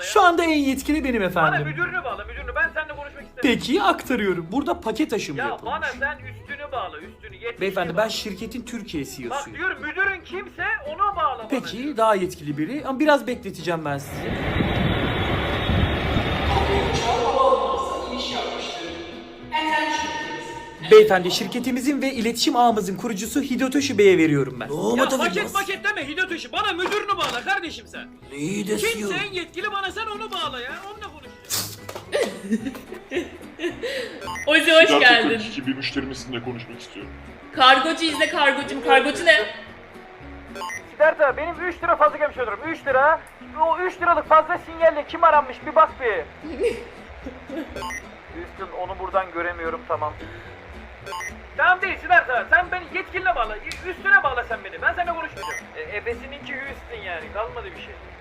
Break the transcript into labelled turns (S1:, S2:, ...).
S1: Şu anda en yetkili benim
S2: Bana
S1: efendim.
S2: müdürünü bağla, müdürünü. Ben seninle konuşmak istemiyorum.
S1: Peki aktarıyorum. Burada paket aşımı
S2: Ya
S1: yapılmış.
S2: bana sen üstünü bağla, üstünü. Yetkili
S1: Beyefendi
S2: bağla.
S1: ben şirketin Türkiye
S2: Bak
S1: CEO'suyum.
S2: diyorum müdürün kimse ona bağla bana.
S1: Peki daha yetkili biri ama biraz bekleteceğim ben sizi. Beyefendi şirketimizin ve iletişim ağımızın kurucusu Hidotoshi Bey'e veriyorum ben.
S2: Ya paket deme Hidotoshi. Bana müdürünü bağla kardeşim sen. Kimse en yetkili bana sen onu bağla ya. Onunla konuşacağız.
S3: Ozi hoş geldin.
S4: 42 bir müşterimizle konuşmak istiyorum.
S3: Kargocu izle kargocum. Kargocu ne?
S2: Siderta benim 3 lira fazla gelmiş olurum. 3 lira. O 3 liralık fazla sinyalle kim aranmış bir bak bir. Houston onu buradan göremiyorum tamam. Tamam değil Siderta. Sen beni yetkiline bağla. Üstüne bağla sen beni. Ben seninle konuşmayacağım. Ebesininki Houston yani. Kalmadı bir şey.